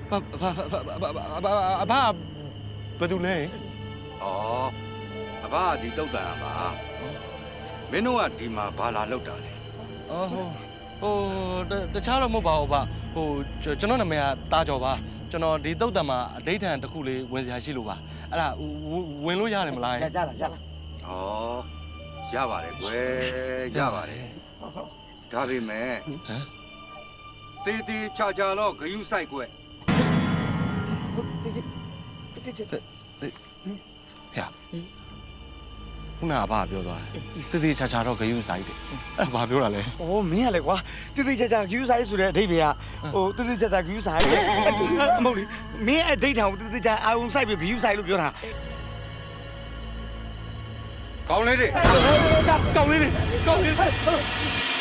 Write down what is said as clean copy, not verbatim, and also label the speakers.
Speaker 1: ဘယ်သူလဲ
Speaker 2: ဩအဘကဒီတုတ်တန်ပါမင်းတို့ကဒီမှာဘာလာလောက်တာလဲ
Speaker 1: အော်ဟိုတခြားတော့မဟုတ်ပါဘူးဗျဟိုကျွန်တော်နာမည်ကတာကျော်ပါကျွန်တော်ဒီတုတ်တန်မှာအဋိဌာန်တစ်ခုလေးဝင်စရာရှိလို့ပါအဲ့ဒါဝင်လို့ရတယ်မလား
Speaker 3: ရလား
Speaker 2: ဩရပါတယ်ကွယ်ရပါတယ်ဒါပေမဲ့တေးသေးချာချာတော့ဂယုဆိုင်ကွယ်
Speaker 1: ဟဲ့ခုနကဘာပြောသွားတယ်တေးချာချာတော့ဂယုဆိုင်တယ်အဲ့ဘာပြောတာလဲ
Speaker 3: ။အော်မင်းကလေကွာတိတိကျကျဂယူးဆိုင်ဆိုတဲ့အဓိပ္ပာယ်ကဟိုတိတိကျကျဂယူးဆိုင်တဲ့မဟုတ်လေမင်းအဓိဋ္ဌာန်ကိုတိတိကျအာုံဆိုင်ပြီးဂယူးဆိုင်လို့ပြောတာ
Speaker 2: ကောင်းလေးတွေ
Speaker 3: ။ကောင်းလေးလေကောင်းလေး